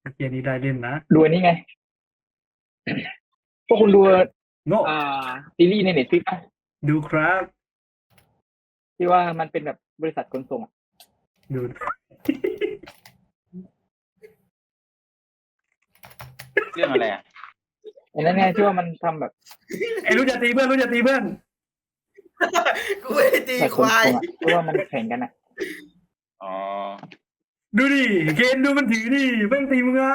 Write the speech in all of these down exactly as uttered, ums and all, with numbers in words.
เกมนี้ได้เล่นนะดูอันนี้ไงพวกคุณดูโง่อ่าซีรีส์ในเน็ตฟลิกซ์ป่ะดูครับที่ว่ามันเป็นแบบบริษัทขนส่งอะดูเรื่องอะไรอ่ะอันนั้นไงที่ว่ามันทำแบบไอ้รู้จะตีเพื่อนรู้จะตีเพื่อนกูไม่ได้ตีบริษัทคขนวายส่งอะที่ว่ามันแข่งกันอะอ๋อดูดิเกณฑ์ดูมันถือดิแม่งตีมึงอ่ะ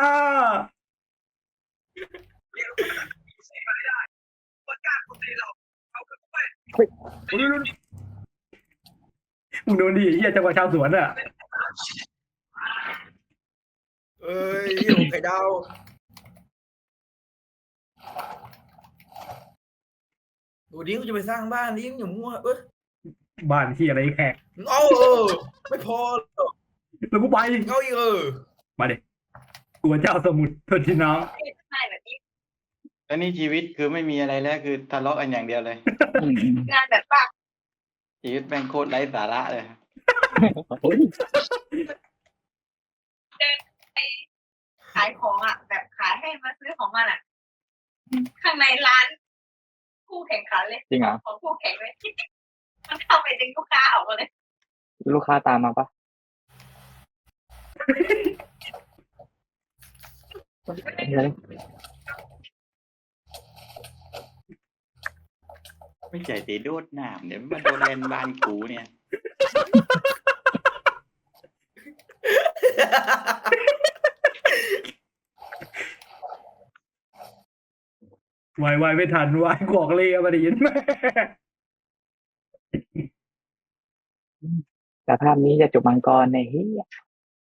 โอ้ยดูดิมึงโดนดิเฮียจังหวะชาวสวนอ่ะเอ้ยอยู่ไข่ดาวดูดิกูจะไปสร้างบ้านดิอย่ามั่วเอ้ยบ้านที่อะไรแขกเอาเออไม่พอแล้วกูไปเอาอีกเออมาเด็กกลัวเจ้าสมุทรโทษทีน้องแล้วนี่ชีวิตคือไม่มีอะไรแล้วคือทะเลาะกันอย่างเดียวเลยอืมงานแบบว่าชีวิตแม่งโคตรไร้สาระเลยโอ้ยขายของอ่ะ แบบขายให้มาซื้อของมันอ่ะ ข้างในร้านคู่แข่งขันเลยจริงเหรอของคู่แข่งเลยมันเข้าไปดึงลูกค้าออกมาเลยลูกค้าตามมาปะไม่ใช่ตีโดดหนามเดี๋ยวมันโดนเลนบ้านกูเนี่ยวายวายไม่ทันวายกวอกเลยอะมาได้ยินไหมแต่ภาพนี้จะจบมังกรในเฮีย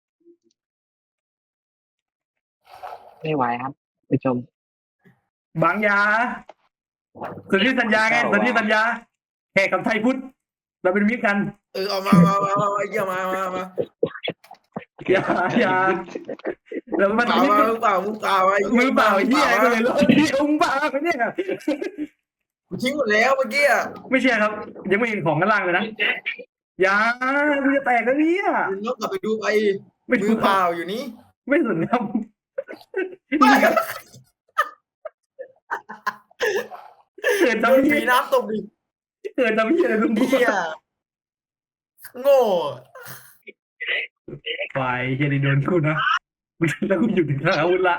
ไม่ไหวครับไปชมบางยาสนธิสัญญาไงสนธิสัญญาแขกกับไทยพุทธเราเป็นมิตรกันเออเอามามามามามาเยี่ยมมามามาอย่าอย่าเรามึมางเปล่าทำมิตรมามึงเปล่ามึงเปล่าไอ้มือเปล่าไอ้เหี้ยก็เลยเราเหี้ยมึงเปล่าเนี่ยกูทิ้งหมดแล้วเมื่อกี้อ่ะไม่ใช่ครับ ยังไม่เห็นของกันล่างเลยนะอย่ามึงจะแตกแล้วเนี่ยมึงต้องกลับไปดูไปไม่มืถูอก เปล่าอยู่นี่ไม่สนครับ เกิดโดทำนเหี้ผียน้ำตกดิเกิดทำเหี้ยอะไรมึงเหี้ยโง่ฝ่ายเฮียนี่โดนกูนะแล้วกูหยุดถึงอาวุธละ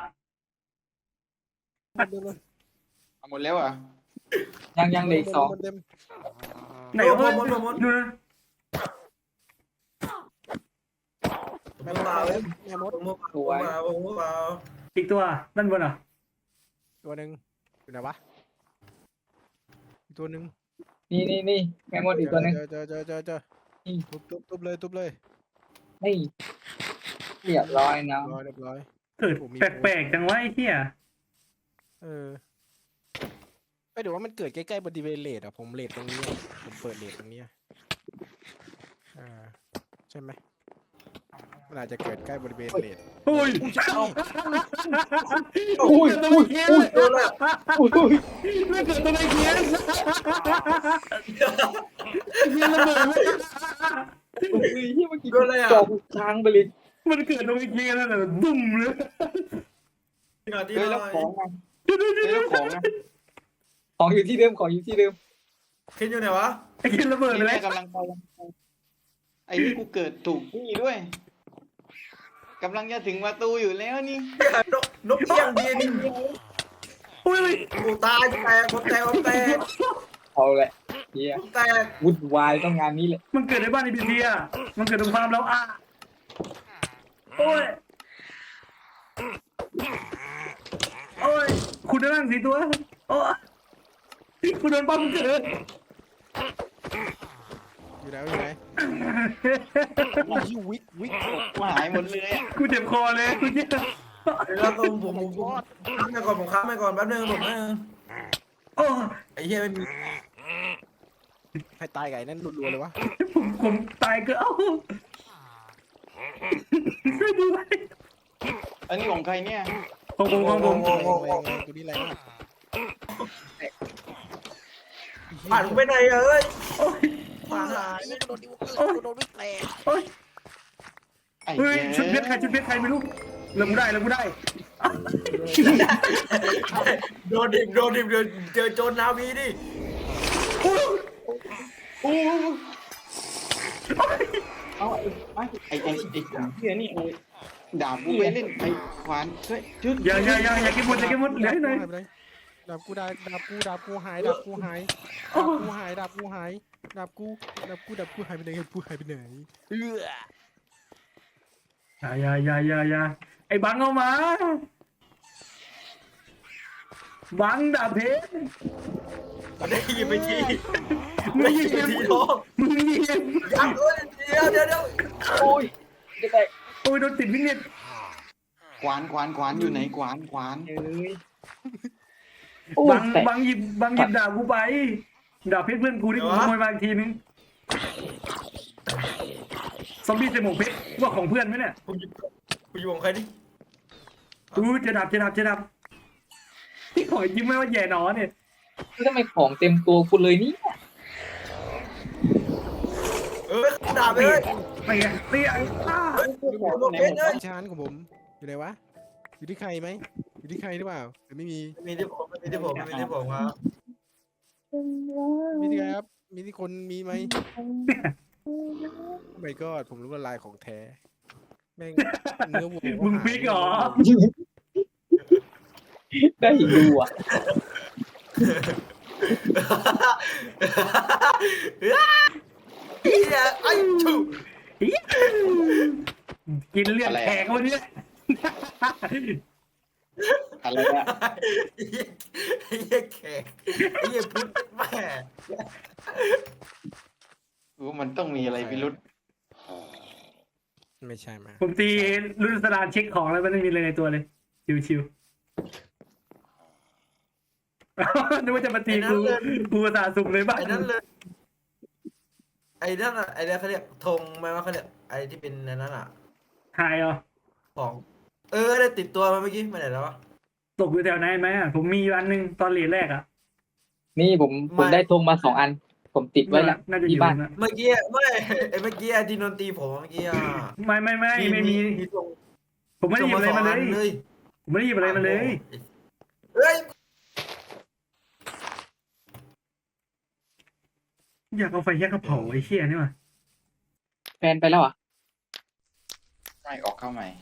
เอาหมดแล้วอ่ะยังยังเหลยสองไหนโดวะนหมดหมดหมดดูนะไม่เปล่าเลยแม่มดผมเปล่าผมเปล่าผมเปล่าอีกตัวด้านบนอ่ะตัวหนึ่งอยู่ไหนวะอีกตัวหนึ่งนี่นี่นี่แม่มดอีกตัวหนึงเจอเจอเจอเจอเจอนี่ทุบทุบทุบเลยทุบเลยนี่เรียบร้อยนะร้อยเรียบร้อยเกิดแปลกๆจังวะไอ้เหี้ยเออไอยเดี๋ยวว่ามันเกิดใกล้ๆบริเวณเลดอ่ะผมเลดตรงนี้อะผมเปิดเลดตรงนี้อะอ่าใช่ไหมมันอาจจะเกิดใกล้บริเวณเลดโอ้ยอุ้ยเกิดอุ้ตัวย เคียนอุ้ยโดนละอุ้ยอุ้ยไม่เกิดตัวเคียนเคียนระเบิดอุ้ยที่เมื่อกี้โดนอะไรอ่ะจบทางไปเลยมันเกิดตัวเคียนแล้วแต่ดุ้มเลยที่หน่อยที่เฮ้ยหแล้น่วอยของอ่ะเฮ้ยแล้วของอ่ะของอยู่ที่เดิมของอยู่ที่เดิมขึ้นอยู่ไหนวะไอ้เคียนระเบิดไปนี่แล้แม่วกำลังไปไอ้นี่กูเกิดถูกที่ด้วยกำลังจะถึงประตูอยู่แล้วนี่นกนกเอี้ยงบินโอ้ยกูตายแตกผมแตกผมแตกเอาแหละเฮียผมแตกวุ่นวายต้องงานนี้แหละมันเกิดในบ้านไอ้บีทีอ่ะมันเกิดตรงความแล้วอ่ะโอ้ยโอ้ยคุณได้นั่งสีตัวโอ้ยคุณโดนปั๊มเกิดอยู่ไหนอยู่ไหนโอ้ยวิกวิกกูหายหมดเลยอ่ะกูเจ็บคอเลยกูเจ็บแล้วก็ผมผมผมค้างไปก่อนผมค้างไปก่อนแป๊บนึงผมนะโอ้ไอ้เหี้ยไม่มีใครตายไก่นั่นรัวๆเลยวะผมผมตายก็เอ้าช่วยด้วยอันนี้ของใครเนี่ยของผมของผมแรงแรงแรงตัวนี้แรงมากผ่านกูไปไหนเอ้ยโอ้ยผ่านหายโดนดิวเกอร์โดนวิกแตกโอ้ยไอ้เฮ้ยเหี้ยชุดเพชรใครชุดเพชรใครไม่รู้เริ่มกูได้เริ่มกูได้โดนดิบโดนดิบเดี๋ยวเจอโจรนาวีดิเอาไอ้ไอ้ไอ้ไอ้ไอ้เหี้ยนี่เอาดาบกูไปเล่นไอ้ขวานช่วยจุดอย่าอย่าอย่าอย่ากินหมดอย่ากินหมดเหลือให้หน่อยหายไปเลยดาบกูได้ดาบกูดาบกูหายดาบกูหายดาบกูหายดาบกูหายดาบกูดาบกูดาบกูหายไปไหนดาบกูหายไปไหนเอออย่าอย่าอย่าอย่าอย่าไอ้บังเอามาบังดาบเพชรมันได้ยินไปทีมึไม่งยิยินงไปทีน้องมึงยิงยังด้วยเดี๋ยวเดี๋ยวเดี๋ยวโอ้ยจะได้โอ้ยโดนติดวินเน็ตขวานขวานขวานอยู่ไหนขวานขวานเอ้ยโอ้บัยงแต่บังหยิบบังหยิบดาบกูไปดาบเพชรเพื่อนกูที่กูขโมยมาอีกทีนึงซอมบี้ใส่หมวกเพชรว่าของเพื่อนไหมเนี่ยผมอยู่ผมอยู่ของใครนี่อู้เจะดับเจะดับเจะดับที่ขอยิ้มไม่ว่าแย่หนอเนี่ยทำไมของเต็มตัวคุณเลยเนี่ยเออด่าไปเลยเตี้ยเตี้ยอ้าเฮ้ยผมโดนเพชรเลยชานของผมอยู่ไหนวะอยู่ที่ใครไหมอยู่ที่ใครหรือเปล่าหรือไม่มีมีที่ผมมีที่ผมมีที่ผมครับมีที่ใครครับมีที่คนมีไหมไม่ก็ผมรู้ว่าลายของแท้แม่งเนื้อวัวมึงฟิกเหรอได้ดูอ่ะเฮียไอ้ชูกินเลือดแขกวันนี้อะไรอะไอ้เฮียแขกไอ้เฮียพุทธแม่กูมันต้องมีอะไรพิรุษไม่ใช่มาผมตีรุ่นสลานเช็คของแล้วมันไม่มีอะไรในตัวเลย ชิวๆ นึกว่าจะมาตีกูกูสาสุ่มเลยบ้างไอ้นั่นเลยไอ้นั่นอ่ะไอ้นั่นเขาเรียกธงไหมว่าเขาเรียกไอ้ที่เป็นในนั้นอ่ะหายเหรอของ เออได้ติดตัวมาเมื่อกี้มาไหนแล้ววะตกอยู่แถวไหนไหมอ่ะผมมีอยู่อันหนึงตอนเหรียญแรกอ่ะนี่ผมผมได้ธงมาสองอัน ผมติดไว้ละน่าจะอที่ยู่บ้านนะเมื่อกี้ไม่ไอ้เมื่อกี้ที่นนตีผมเมื่อกี้อ่ะไม่ไม่ไม่ไม่มีมีธงผมไม่ได้หยิบอะไรมาเลยส่งสองอันเลยผมไม่ได้หยิบอะไรมาเลยเฮ้ยอยากเอาไฟแยกกระเผาไอ้เชี่ยนี่ว่ะแฟนไปแล้วอ่ะไม่ออกเข้าใหม่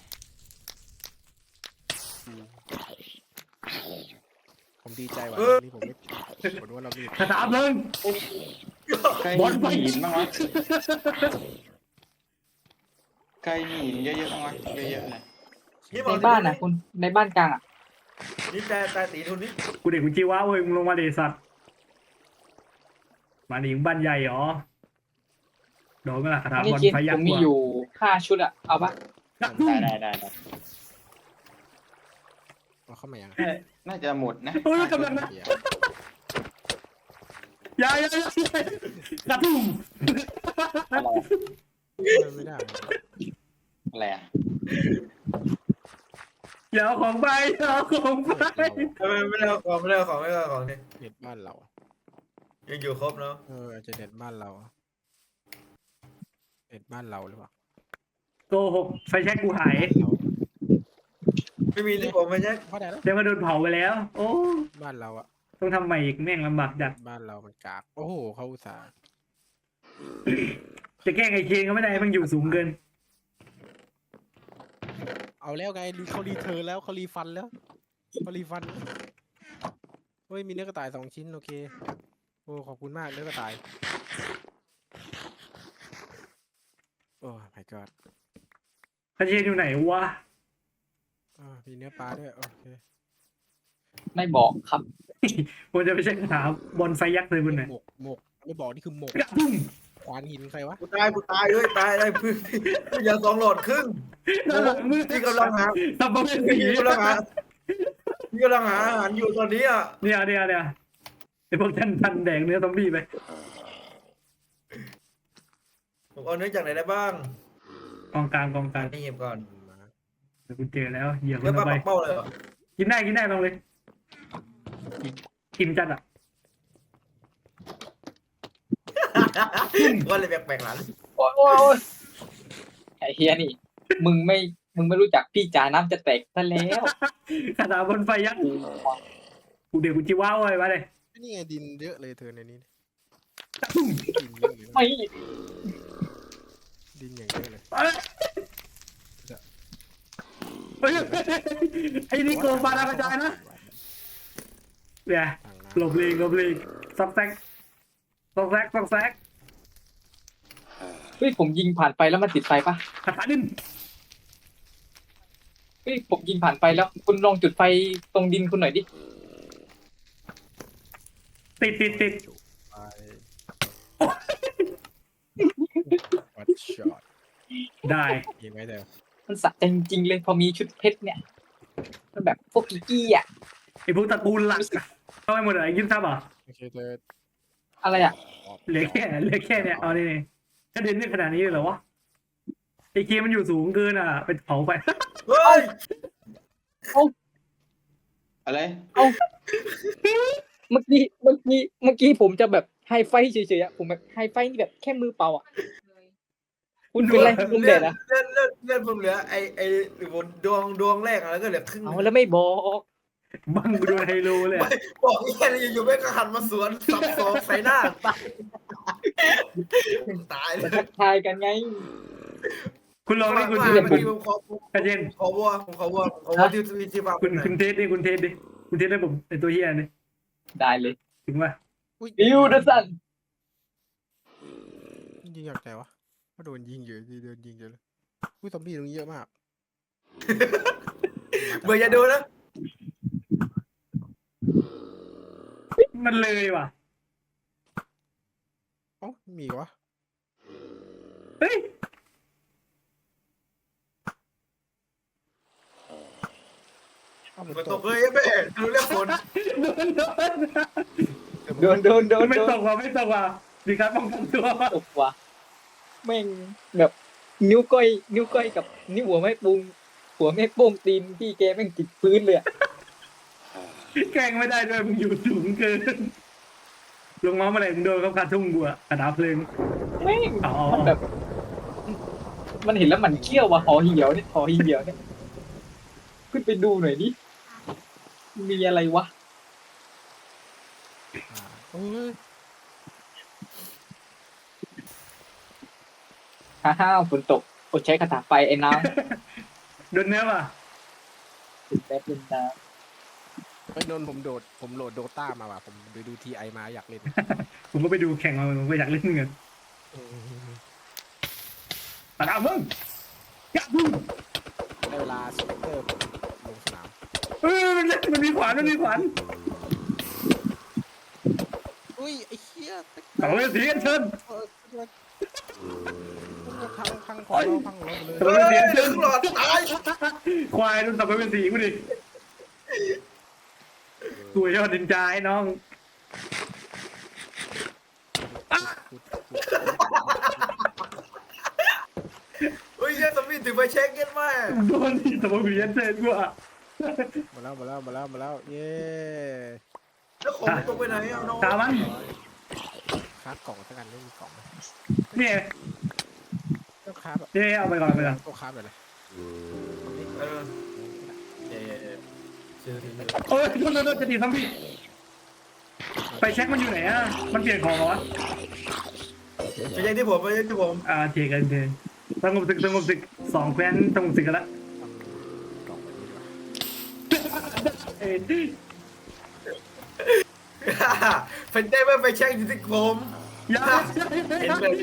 ผมดีใจว่ะตอนนี้ผมไม่ผมรู้ว่าเรามีคาถาเพลิงใครบอลไฟมีหินบ้างวะใครมีหินเยอะๆบ้างวะเยอะๆเลยนี่ในบ้านอ่ะคุณในบ้านกลางอ่ะนี่แต่แต่ตีทุนนี่กูเด็กกูจีว้าเว้ยมึงลงมาเดสัตว์มาดิบ้านใหญ่เหรอโดนไหมล่ะคาถานี่บอลกินไฟยัผกมษ์มีกว่าอยู่ห้าชุดอ่ะ เอาปะได้ได้ได้ได้เอาเข้ามายังน่าจะหมดนะเฮ้ยกำลังนะเดี๋ยวอย่าอย่าอย่าอย่ากระทุ่มไม่ได้อะไรอะอย่าเอาของไปอย่าเอาของไปไม่ไม่ได้เอาของไม่ได้เอาของไม่ได้เอาของนี่เน็ตบ้านเรายังอยู่ครบเนาะเอออาจจะเน็ตบ้านเราเน็ตบ้านเราหรือเปล่าโกหกไฟแช็กกูหายเราไม่มีที่ผมไม่ใช่เพราะอะไรแล้วเดี๋ยวมาโดนเผาไปแล้ว โอ้บ้านเราอะต้องทำใหม่อีกแม่งลำบากจัดบ้านเรามันกากโอ้โหเขาอุตส่าห์จะแกล้งไอ้เคนก็ไม่ได้มันอยู่สูงเกินเอาแล้วไงเขารีเทิร์นแล้วเขารีฟันแล้วเขารีฟันเฮ้ยมีเนื้อกระต่ายสองชิ้นโอเคโอ้ขอบคุณมากเนื้อกระต่ายโอ้ my god คาเชนอยู่ไหนวะอ่ามีเนื้อปลาด้วยโอเคไม่บอกครับผมจะไปเช็คคาถาบอลไฟยักษ์เลยคุณหน่อยหมกหมกไม่บอกนี่คือหมกกระทุ่มขวานหินใครวะกูตายกูตายเฮ้ยตายได้พื้นอย่าสองหลอดครึ่งด้านหลังมือที่กำลังหาสับปะเป็นสีที่กำลังหาที่กำลังหาอาหารอยู่ตอนนี้อ่ะเนี่ยเนี่ยเนี่ยไอพวกท่านท่านแดงเนื้อซอมบี้ไปผมเอาเนื้อจากไหนได้บ้างกองกลางกองกลางนี่หยิบก่อนเดี๋ยวกูเจอแล้วเหยียบมัเนื้อน ปลาเอาไปปักเป้าเลยเหรอกินได้กินได้ลองเลยกินจัดอ่ะก็เลยแปลกๆหลังโอ้ยโอ้ยโอ้ยไอ้เฮียนี่ มึงไม่มึงไม่รู้จักพี่จ๋าน้ำจะแตกซะแล้วขนาดบนไฟยักษ์กูเดี๋ยวกูจิว้าวไว้มาเลยนี่ไงดินเยอะเลยเธอในนี้ตุ้มดินเยอะเลยนะไม่ดินอย่างเยอะเลยเอ้ยเฮ้ยไอ้นี่โกงปลาดาวกระจายนะเนี่ยต่างน้หลบเลงหลบเลงซอกแซกซอกแซกซอกแซกเฮ้ยผมยิงผ่านไปแล้วมันติดไฟปะคาถาดินเฮ้ยผมยิงผ่านไปแล้ว คุณลองจุดไฟตรงดินคุณหน่อยดิติดติดติดำไปวัดช็อตได้ยิงไว้เถอะมันสะใจจริงๆเลยพอมีชุดเพชรเนี่ยมันแบบพวกกิกกี้อ่ะไอ้พวกตระกูลหลักอะเข้าไปหมดเลยยิ้มซับเหรอโอเคเธออะไรอ่ะออกเหลือแค่เหลือแค่เนี่ยเอานี่ถ้าเดินได้ขนาดนี้เลยเหรอวะไอ้เคมันอยู่สูงเกินอ่ะเป็นเผาไปเฮ้ยอะไรเมื่อกี้เมื่อกี้เมื่อกี้ผมจะแบบไฮไฟเฉยๆอะผมแบบไฮไฟนี่แบบแค่มือเปล่าอ่ะคุณเป็นไรคุณเด็ดอ่ะเลื่อนเลื่อนเลื่อนผมเหลือไอไอหรือบนดวงดวงแรกอะแล้วก็เหลือครึ่งหเอานึ่งแล้วไม่บอกบังกูโดนไฮโลเลยอะบอกแค่นี้อยู่ๆไม่ก็หันมาสวนสับสองใส่หน้าตายตายเลมาย ทักทายกันไงคุณลองนี่คุณมาเทสเมื่อกี้ผมขอผมกระเจนขอวัวผมขอวัวผมขอวัวที่ที่ที่ฟาร์มคุณหน่อยคุณเทสดิคุณเทสดิคุณเทสได้ผมไอตัวเฮียนี่ได้เลยถึงว่าอุ้ยบิวเดอร์สันยิงจากไหนวะก็โดนยิงเยอะโดนยิงเยอะเลยอุ้ยซอมบี้ตรงนี้เยอะมากเบอร์อย่าดูนะมันเลยว่ะเอ๋อมีอีกวะเฮ้ยเอ้ามันฝนตตกกเลยแม่ดูเรื่องฝนโดนโดนโดนโดนโดนไม่โดตนกว่ะไม่ตกว่ะดีครับป้องกันตัวตกว่ะแม่งแบบนิ้วก้อย นิ้วก้อยกับนิ้วหัวแม่ปุงหัวแม่โป้งตีนพี่แกแม่งติดพื้นเลยอะแกล้งไม่ได้ด้วยมึงอยู่สูงเกินลงมาเมื่อไหร่มึงโดนเขาคาทุ่งกูอะกระดาษเพลิงแม่งอ๋อมันแบบ มันเห็นแล้วมันเขี้ยวว่ะหอเหี่ยวเนี่ยหอเหี่ยวเนี่ยขึ้นไปดูหน่อยดิมีอะไรวะอ่าเอ้ยฮ่าฮ่าฝนตกอดใช้คาถาไฟไอ้น้โดนเนื้อว่ะำติดแป๊บนึงนะไปโดนผมโดดผมโหลดโดต้ามาว่ะผมไปดูทีไอมาอยากเล่นผมก็ไปดูแข่งมาผมก็อยากเล่นเงินตาดาวมึงยับมึงได้เวลาสเปกเตอร์ลงสนามเออมันเล่นมันมีขวานมันมีขวานอุ้ยไอ้เหี้ยเอาเลยสีกันเชิญเออพังพังของเราพังของเราเลยเอเฮ้อย เสียงคเชิรึ่ญงหลอดตายควายนุ่นสับไปเป็นสีกูดิตัวยอดดินจาไอ้น้องเฮ้ยเหี้ยสมิธถือไปเช็คเก็ตไหมโดนที่สับไปเป็นเชิญกูอะมาแล้วมาแล้วมาแล้วมาแล้วเย้แล้วของตกไปไหนเอาน้องตามมันคราฟกล่องสักกันไม่มีกล่องเนี่ยต้องคราฟแบบเนี่ยเอาไปก่อนเอาไปก่อนต้องคราฟแบบไหนเออเย้เชื่อถือโอ้ยโดนโดนโดนจะตีซ้ำพี่ไปเช็คมันอยู่ไหนอะมันเปลี่ยนของเหรอวะไปยังที่ผมไปยังที่ผมอ่าเทกันเทสงบศึกสงบศึกสองแคว้นสงบศึกกันละทำกล่องแบบนี้ดีกว่าเอ้ยเป็นได้ไหมไปเช็คอยู่ที่ผมอยัเห็นแบบ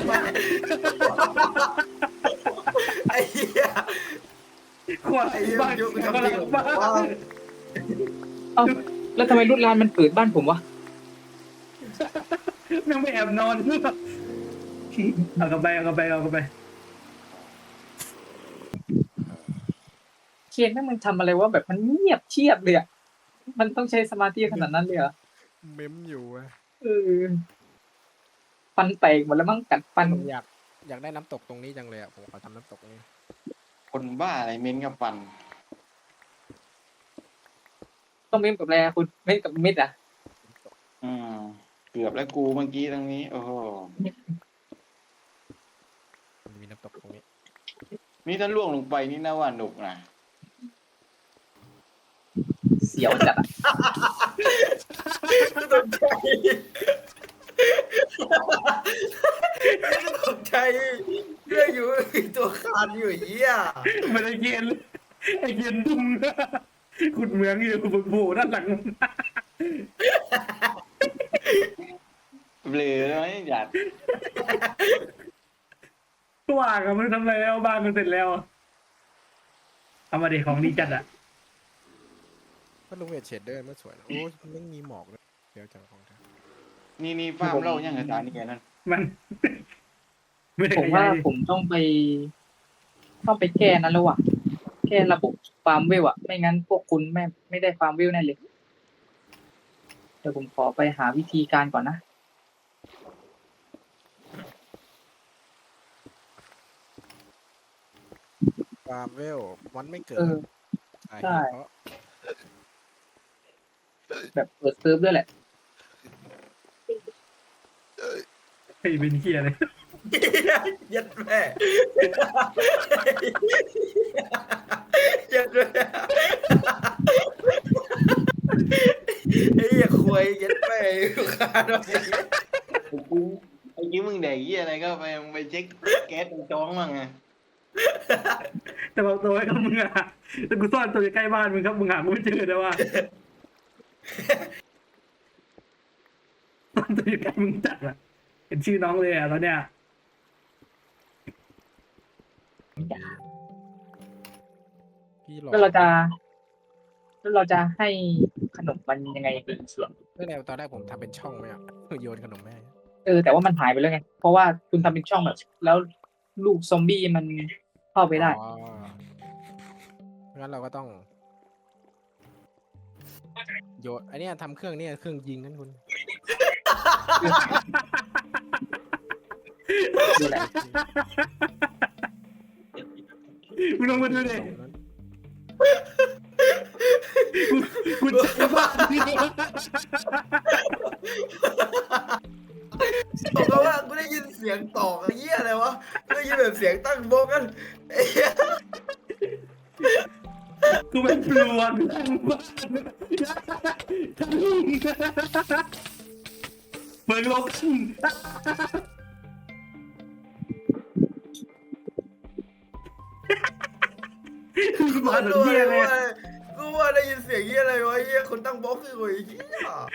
ไอ้เหี้ยควายบ้านกำลังบ้าเอ้าแล้วทำไมรุ่นลานมันเปิดบ้านผมวะนั่งไม่แอบนอนเอากลับไปเอากลับไปเอากลับไปเคียนแม่งมันทำอะไรวะแบบมันเงียบเชียบเลยอะมันต้องใช้สมาธิขนาดนั้นเลยเหรอเมมอยู่อะเออฟันแตกหมดแล้วมั้งกัดฟันผมอยากอยากได้น้ำตกตรงนี้จังเลยอ่ะผมขอทำน้ำตกตรงนี้คนบ้าอะไรเม้นกับฟันต้องเม้มกับอะไรอะคุณเม้มกับเม็ดอะอืมเกือบแล้วกูเมื่อกี้ตรงนี้ โอ้โหมันมีน้ำตกตรงนี้นี่ถ้าล่วงลงไปนี่น่าว่าหนุกนะเสียวจัดอะกูตกใจกูตกใจเรื่องอยู่มีตัวคานอยู่ไอ้เหี้ยมันไอเกียนไอเกียนดุ้งขุดเหมืองอยู่บนโผล่ด้านหลังเบลอไหมอยากว่างอะมึงทำอะไรแล้วบ้านมันเสร็จแล้วเอามาดิของดีจัดอะก็ลุงเวทเชดเดอร์มันสวยนะโอ้ยไม่มีหมอกเลยเดี๋ยวจังของแท้นี่นี่ฟาร์มเล่ายังกับตานี่แกนั่นมัน ไม่ได้ผมขว่ายายดิผมต้องไป ต้องไปแก้นั้นแล้วว่ะแก้ระบบฟาร์มวิวอะไม่งั้นพวกคุณไม่ไม่ได้ฟาร์มวิวแน่เลย เดี๋ยวผมขอไปหาวิธีการก่อนนะฟาร์มเวลมันไม่เกิดเออสาเหใช่ตุเพราะแบบเปิดเซิร์ฟด้วยแหละไอ้เป็นเกียเลยยัดแม่ยัดแม่ไอ้เหี้ยควยยัดแม่อยู่คานเอาไปกูไอ้ยิ้มมึงแดกยี่อะไรก็ไปไปเช็คแก๊สตรงจ้องมั่งไงแต่บอกตัวไว้กับมึงอะแต่กูซ่อนตัวอยู่ใกล้บ้านมึงครับมึงหากูไม่เจอแต่ว่าซ่อนตัวอยู่ใกล้มึงจัดอะเห็นชื่อน้องเลยอะแล้วเนี่ยพี่หลอกแล้วเราจะแล้วเราจะให้ขนมมันยังไงดีเสียงไม่ได้ตอนแรกผมทำเป็นช่องไหมอ่ะโยนขนมแม่เออแต่ว่ามันหายไปแล้วไง เพราะว่าคุณทำเป็นช่องแบบ แล้วลูกซอมบี้มันเข้าไปได้อ๋องั้นเราก็ต้องโยนอันเนี้ยทำเครื่องเนี้ยเครื่องยิงนั่นคุณดูแลมึงลองมาดูดิกูกูเจอบ้านนี่บอกกันว่ากูได้ยินเสียงตอกไอ้เหี้ยอะไรวะกูได้ยินแบบเสียงตั้งโบกกันไอ้เหี้ยกูเป็นปลวกทั้งบ้านทั้งลุงเปิดโลกขึ้นกูมาว่าถึงเหี้ยเลยกูว่าได้ยินเสียงเหี้ยอะไรวะไอ้เหี้ยคนตั้งโบกคือกูไอ้เหี้ย